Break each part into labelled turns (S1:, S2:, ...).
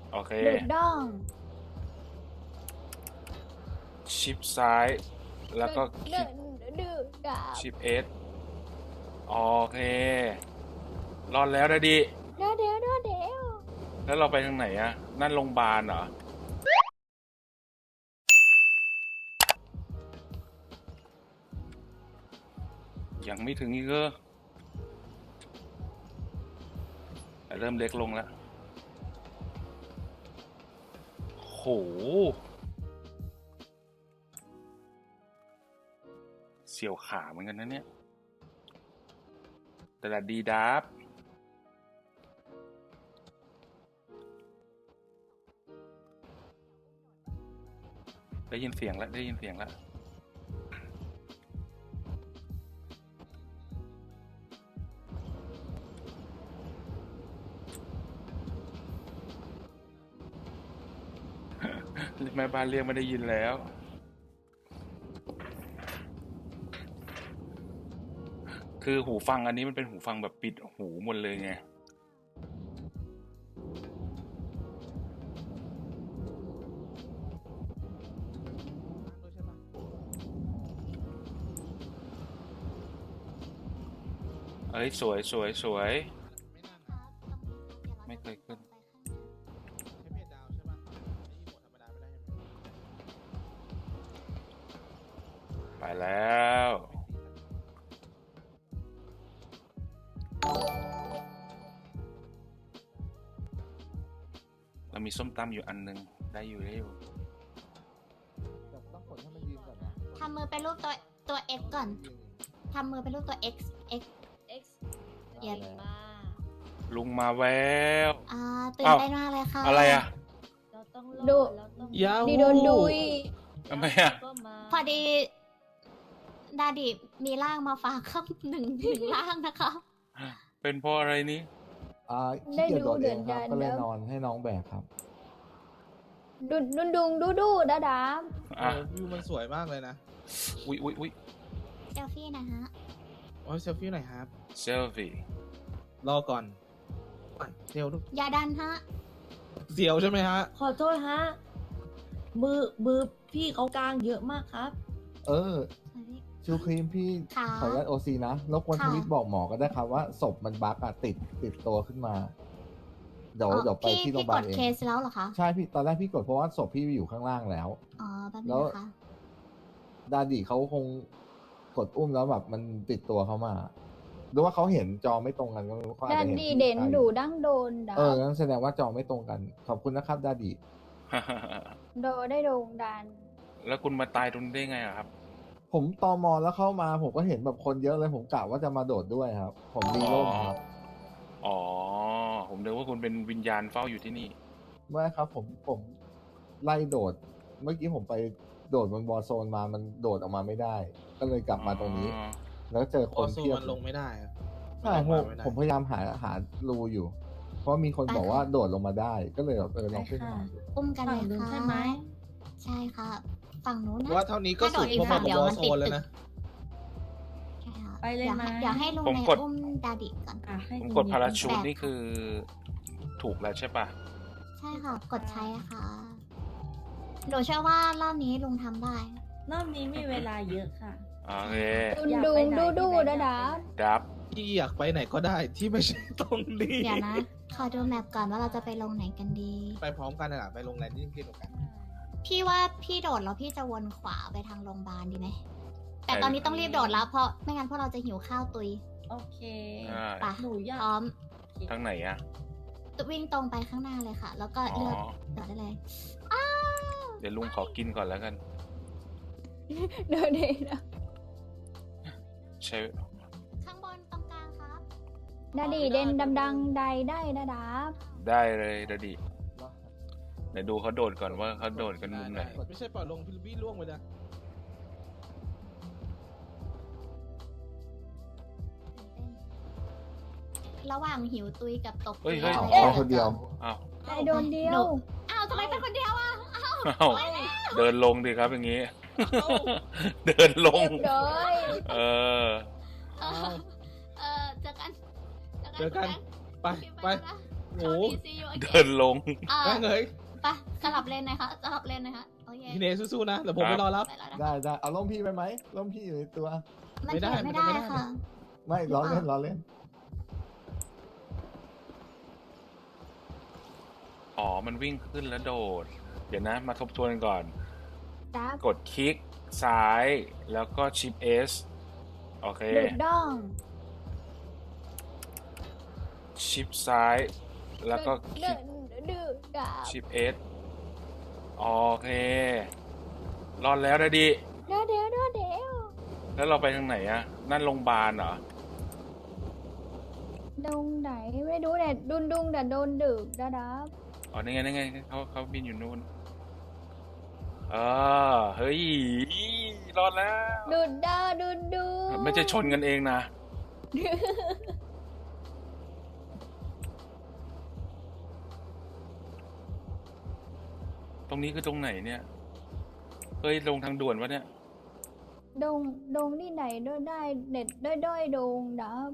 S1: โอเค
S2: ดูดด้อง
S1: ชิปซ้ายแล้วก็คลิก
S2: ดูดดาบ
S1: ชิปเอสโอเครอดแล้วนะดิ
S2: เดี๋ยว
S1: แล้วเราไปทางไหนอะนั่นโรงพยาบาลเหรอยังไม่ถึงอีกเหรอแต่เริ่มเล็กลงแล้วโหเสียวขาเหมือนกันนะเนี่ยแต่ละดีดับได้ยินเสียงแล้วได้ยินเสียงแล้วแม่บ้านเรียกไม่ได้ยินแล้วคือหูฟังอันนี้มันเป็นหูฟังแบบปิดหูหมดเลยไงเอ้ยสวยสวยสวยไม่เคยขึ้นไปแล้วเรามีส้มตำอยู่อันนึงได้อยู่ได้อยู่
S3: ต้องกดให้มันยืนก่อนนะ
S2: ทำมือเป็นรูปตัว X ก่อนทำมือเป็นรูปตัว X X
S4: X
S2: เย็น
S4: มา
S1: ลุงมาแล้ว
S2: ตื่นเต้นมากเลยค่ะ
S1: อะไรอ่ะ
S4: เราต้อง
S2: ดู
S4: เราต้อง
S3: ยาว
S2: ดีโดนดุย
S1: ทำไมอ่ะ
S4: ก็มา
S2: พอดีดาดิมีร่างมาฝากครับหนึ่งร่างนะคะ
S1: เป็นเพราะอะไรนี้
S3: ขี้เกียจโดดเองครับก็เลยนอนให้น้องแบกครับ
S2: ดูดาดาบ
S1: อ่ะ
S5: วิวมันสวยมากเลยนะ
S1: อุ๊ยอุ๊ยอุ๊ย
S2: เซลฟี่นะฮะ
S5: โอ้ยเซลฟี่หน่อยครับ
S1: เซลฟี่
S5: รอก่อนอ่ะเซลลูก
S2: อย่าดันฮะ
S5: เสียวใช่ไหมฮะ
S4: ขอโทษฮะ มือพี่เขากลางเยอะมากครับ
S3: เออ ชูครีมพี่
S2: ค่ะ
S3: ขออนุญาตโอซีนะรบกวน
S2: ค่ะ
S3: ทวิตบอกหมอก็ได้ครับว่าศพมันบั๊กอะติดตัวขึ้นมา เดี๋ยวไปที่โรงพยาบาล
S2: พี่กด
S3: เอง
S2: เคสแล้วเหรอคะ
S3: ใช่พี่ตอนแรกพี่กดเพราะว่าศพพี่อยู่ข้างล่างแล้ว
S2: อ๋อแป๊บนึ
S3: แล้
S2: ง
S3: ว
S2: นะคะ
S3: ดาดิเขาคงกดอุ้มแล้วแบบมันติดตัวเขามาหรือว่าเขาเห็นจอไม่ตรงกันก็ไม่รู้เขาอาจ
S6: ดั
S3: จะ
S6: น
S3: เห็น
S6: ดี
S3: พี่
S6: เด่น
S3: ไกล
S6: ดูดั้งโดนดา
S3: งั้นแสดงว่าจอไม่ตรงกัน ขอบคุณนะครับดาดิ
S6: โดได้โด่งดัน
S1: แล้วคุณมาตายตรงนี้ได้ไงอะครับ
S3: ผมตอมอแล้วเข้ามาผมก็เห็นแบบคนเยอะเลยผมกะว่าจะมาโดดด้วยครับ ผมดีร่มครับ
S1: อ๋อ ผมนึกว่าคุณเป็นวิญญาณเฝ้าอยู่ที่นี่
S3: ไม่ครับผมไล่โดด เมื่อกี้ผมไปโดดบนบอลโซนมามันโดดออกมาไม่ได้ ก็เลยกลับมาตรงนี้
S1: อ๋อ
S3: แล้วเจอค
S5: โอน โซ
S3: เพียบ
S5: มันลงไม่ได้อะ
S3: ใช่
S5: นล
S3: ผ
S5: ง
S3: ม
S5: ไม่ได้
S3: ผมพยายามหารูอยู่ เพราะมีคนบอกว่าโดดลงมาได้ ก็เลยแบบลองขึ้นมาดู
S2: อุ้มกันเลย
S4: ฝั่งนู้น
S2: ค่ะ
S4: ใช่ไหม
S2: ใช่ค่ะ ฝั่งนู้นนะ
S5: ว่าเท่านี้ก็สุด
S2: ถ้าโดดอีก
S5: เพราะ
S2: ฝั่
S5: มาง
S2: เดี๋ยว
S5: วอ
S2: มัน
S5: โซ
S2: ติด
S5: นแล้ว
S2: ตึก
S5: นะ
S2: ใช่ค่ะ
S4: ไปเลยไหม
S2: เดี๋ยวให้ลุง
S1: ผม
S2: ใน
S1: กด
S2: อุ้มดาดิก่อน
S4: อ่ะให้
S1: ผม
S4: คุณ
S1: กดพารา
S4: มี
S1: ชูตนี่คือถูกแล้วใช่ปะ
S2: ใช่ค่ะ กดใช้ค่ะหนูเชื่อว่ารอบนี้ลุงทำได้
S4: รอบนี้มีเวลาเยอะค่ะ
S1: โอเค
S6: ดูดาดาบ
S1: ดับ
S5: ที่อยากไปไหนก็ได้ที่ไม่ใช่ตรงนี้
S2: เดี๋ยวนะ ขอดูแมปก่อนว่าเราจะไปลงไหนกันดี
S5: ไปพร้อมกันน่ะไปโรงแรมที่เดียวกัน
S2: พี่ว่าพี่โดดแล้วพี่จะวนขวาไปทางโรงพยาบาลดีไหม แต่ตอนนี้ต้องรีบโดดแล้วเพราะไม่งั้นพวกเราจะหิวข้าวตุย
S4: โอเค
S1: อ่า
S2: ไป
S4: หนูอยาก
S2: พร้อม
S1: ทางไหนอะ
S2: วิ่งตรงไปข้างหน้าเลยค่ะ แล้วก็
S1: อ๋อ
S2: เลือกโดดได้เลย
S1: เดี๋ยวลุงขอกินก่อนแล้วกัน
S6: โดเดนะ
S1: ใช่
S2: ข้างบนตรงกลางครับ
S6: ดาดีเด่นดำดังใดได้ดาดาบ
S1: ได้เลยดดิเดี๋ยวดูเขาโดดก่อนว่าเขาโดดกันมุมไหน
S5: ไม่ใช่ปล่อยลงพิลบี้ล่วงไปนะ
S2: ระหว่างหิวตุยกับตก
S1: เฮ้ยเฮ้ย
S3: เอาคนเดียว
S1: อ้าว
S6: ได้โดนเดียว
S2: อ้าวทำไมเป็นคนเดียวอ่ะ
S1: อ้าวเดินลงดิครับอย่างงี้ เดินลง
S6: เรียบร้อย
S1: เออ
S2: เออเจอกัน
S5: เจอกัน ไป
S2: คุณ
S5: ไป
S2: นะ
S5: โห
S2: see you again
S1: เดินลง
S2: อ่า
S5: แม่งเลย
S2: ไปสลับเลนหนะคะสลับเลนหนะคะโอเค
S5: พี่เนสู้ๆนะเดี๋ยวผมไปรอรับ
S2: ไปแล้วนะ
S3: ได้ได้เอาล่มพี่ไปไหมล่มพี่อยู่ในตัว
S2: มัน
S5: ไม่ได้
S2: เขียนไม่ได้
S5: ไม่ได้
S2: ค่ะ
S3: ไม่ล้อเล่นล้อเล่น
S1: อ๋อ มันวิ่งขึ้นแล้วโดด เดี๋ยวนะ มาทบทวนก่อน
S6: ดับ
S1: กดคลิกซ้ายแล้วก็ชิป S โอเค
S6: ดูดด้อง
S1: ชิปซ้ายแล้วก็คลิ
S6: ดื
S1: ก
S6: ดูดับ
S1: ชิป S โอเค รอดแล้วนะดิ
S6: เดี๋ยว
S1: แล้วเราไปทางไหนอะนั่นโรงพยาบาลเหรอ
S6: ดงไหนไม่รู้แต่ดุงแต่โดนดึกดับ
S1: อ๋อนี่ไงนี่ไงเขาบินอยู่นู่นเฮ้ย รอดแล้ว
S6: ดูดดู
S1: ไม่ใช่ชนกันเองนะ ตรงนี้คือตรงไหนเนี่ย เฮ้ย ลงทางด่วนวะเนี่ย
S6: ดงที่ไหนด้วยได้เด็ดด้อยดงดับ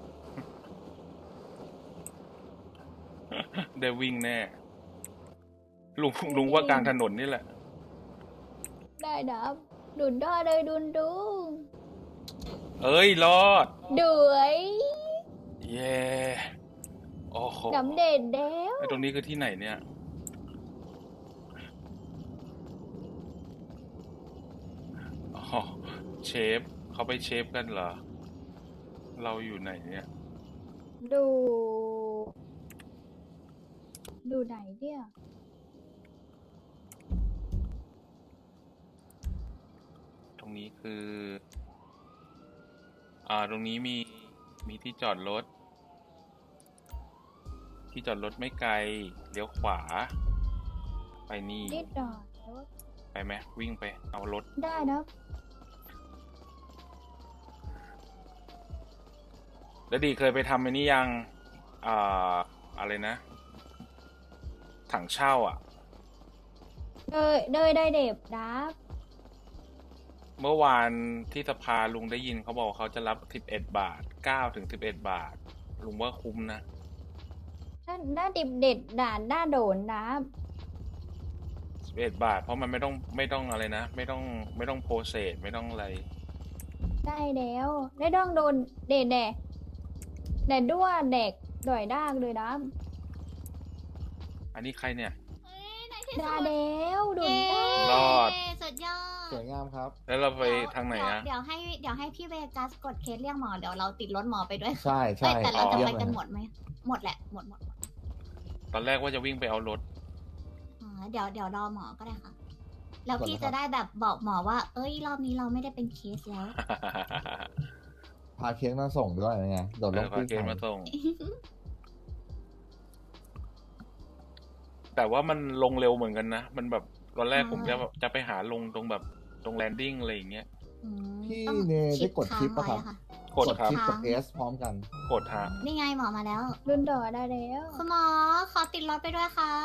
S1: ได้วิ่งแน่ ลุงว่ากลางถนนนี่แหละ
S6: ได้ดับดูดด้อเลยดุง
S1: เอ้ย รอด
S6: ด้วย
S1: เย้โอ้โห
S6: สำเร็จแล้ว
S1: ไอ้ตรงนี้คือที่ไหนเนี่ย อ๋อ เชฟ เขาไปเชฟกันเหรอ เราอยู่ไหนเนี่ย
S6: ดูไหนเนี่ย
S1: ตรงนี้คือ ตรงนี้มีที่จอดรถ ที่จอดรถไม่ไกล เลี้ยวขวา ไปนี่
S6: นิดหน่อย
S1: ไปไหมวิ่งไป เอารถ
S6: ได้นะ
S1: แล้วดีเคยไปทำไอ้นี่ยัง อะไรนะ ถังเช่าอ่ะ
S6: ได้เด็บดับ
S1: เมื่อวานที่สภาลุงได้ยินเขาบอกว่าเขาจะรับ11 บาท9 ถึง 11 บาท ลุงว่าคุ้มนะ
S6: หน้าดิบเด็ดด่านหน้าโดนดับ
S1: 11 บาท เพราะมันไม่ต้องอะไรนะ ไม่ต้องโปรเซสไม่ต้องอะไร
S6: ได้แล้วได้ต้องโดนเด็ดแต่ด้วเด็กด่อยด้างเลยดับ
S1: อันนี้ใครเนี่ย
S2: เฮ้ยในที่
S6: ได้
S2: สุด
S6: แล้วดุ
S2: เย้
S6: นด้าง
S1: รอด
S2: สุดยอด
S3: สวยงามครับ
S1: แล้วเราไปทางไหนอะ
S2: เดี๋ยวให้พี่เวกัสกดเคสเรียกหมอเดี๋ยวเราติดรถหมอไปด้วย
S3: ใช่
S2: เอ้
S3: ใช่
S2: ยแต่เราจะ
S3: เยี่ย
S2: ไป
S3: มเลย
S2: กันหมดไหมหมดแหละหมด
S1: ตอนแรกว่าจะวิ่งไปเอารถ
S2: อ๋อเดี๋ยวรอหมอก็ได้ค่ะ แล้วพี่จะได้แบบบอกหมอว่า เอ้ยรอบนี้เราไม่ได้เป็นเคสแล้ว
S3: พาเค้กมาส่งด้วยไงโดดลง
S1: ขอ
S3: กู้
S1: เกณ
S3: ภั
S1: ฑ์
S3: ย
S1: มาส่ง แต่ว่ามันลงเร็วเหมือนกันนะ มันแบบตอนแรกผมจะไปหาลงตรงตรงแลนดิ้งอะไรอย่างเงี้ย
S2: อืม
S3: พี่
S2: ต้อง
S3: เนได้กดคลิป
S2: ค้า
S3: ปะ
S2: ง
S3: ครับ
S2: ไว้ค่ะ
S1: กดครับ
S3: คลิปกับ S พร้อมกัน
S1: กดฮะ
S2: นี่ไงหมอมาแล้ว
S6: ดุนด่อได้แล้ว
S2: คุณหมอขอติดรถไปด้วยครับ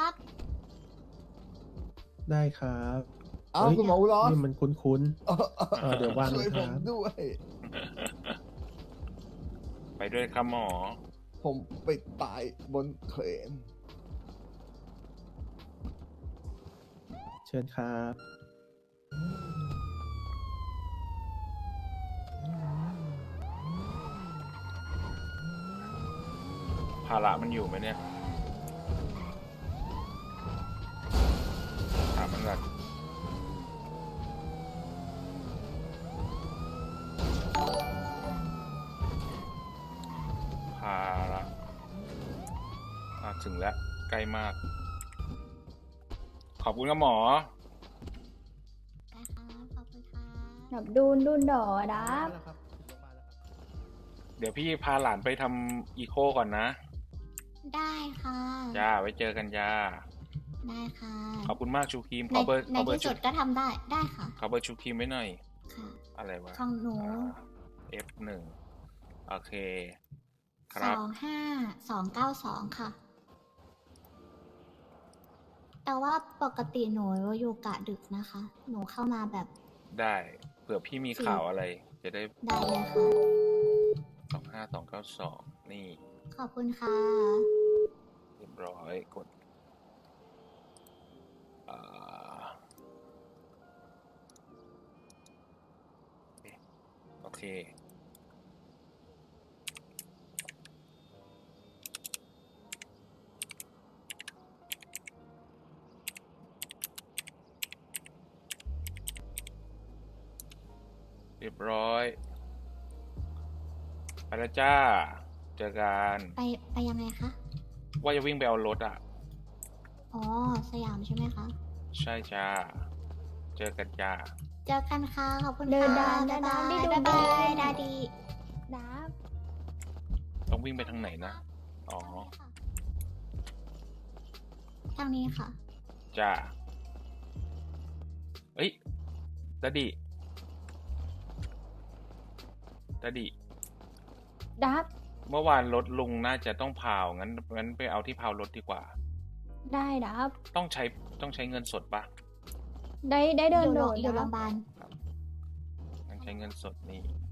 S7: ได้ครับ
S3: อ้าว
S7: เฮ้ย
S3: คุณหมออุลอส
S7: นี่มันคุ้น เดี๋ยวว่าง
S3: ช่วย
S7: นะค
S3: ผ
S7: รับ
S3: มด้วย
S1: ไปด้วยครับหมอ
S3: ผมไปตายบนเครน
S7: เชิญครับ
S1: ภาระมันอยู่ไหมเนี่ย ถามมันก่อนภาระถึงแล้ว ใกล้มาก ขอบคุณครับหมอ
S2: ได้ครับขอบคุณครับ
S6: แบบดุนด่อดับ
S1: เดี๋ยวพี่พาหลานไปทำอีโคก่อนนะ
S2: ได้ค่ะ
S1: จ้า ไว้เจอกันจ้า
S2: ได้ค่ะ
S1: ขอบคุณมากชูครีม
S2: ใน
S1: ขอเบอร์
S2: ใน
S1: ขอเบอร์
S2: ที่
S1: ชู
S2: สุดก็ทำได้ได้ค่ะ
S1: ขอเบอร์ชูครีมไว้หน่อย
S2: ค่ะ
S1: อะไรวะ
S2: ของหนู
S1: F1 โอเค ค
S2: ส
S1: รับ
S2: องห้า292ค่ะ แต่ว่าปกติหนูอยู่กะดึกนะคะ หนูเข้ามาแบบ
S1: ได้ เผื่อพี่มีข่าวอะไร จะได้
S2: ได้เลยค่ะ
S1: 25292 นี่
S2: ขอบคุณค่ะ
S1: เรียบร้อยกดอ่าโอเคเรียบร้อยไปแล้วจ้าเจอกัน
S2: ไปยังไงคะ
S1: ว่าจะวิ่งไปเอารถอ่ะ
S2: อ๋อ สยามใช่ไหมคะ
S1: ใช่จ้า เจอกันจ้า
S2: เจอกันค่ะ ขอบคุณ
S6: เดิน
S2: ค่ะ
S6: ดาน
S2: บ๊ายบาย
S6: ได้ดู
S2: บ๊ายบาย
S6: ดี
S2: ดาดี
S6: ดับ
S1: ต้องวิ่งไปทางไหนนะ อ๋อ
S2: ทางนี้ค่ะ
S1: จ้า เอ้ยดาดิดาดิ
S6: ดับ
S1: เมื่อวานรถลุงน่าจะต้องพาวงั้นไปเอาที่พาวรถดีกว่า
S6: ได้ดับ
S1: ต้องใช้เงินสดปะ
S6: ได้เดินโดด
S2: อยู่โร
S6: ดั
S2: งพ
S6: บ
S2: ยาบาล
S1: งั้นใช้เงินสดนี่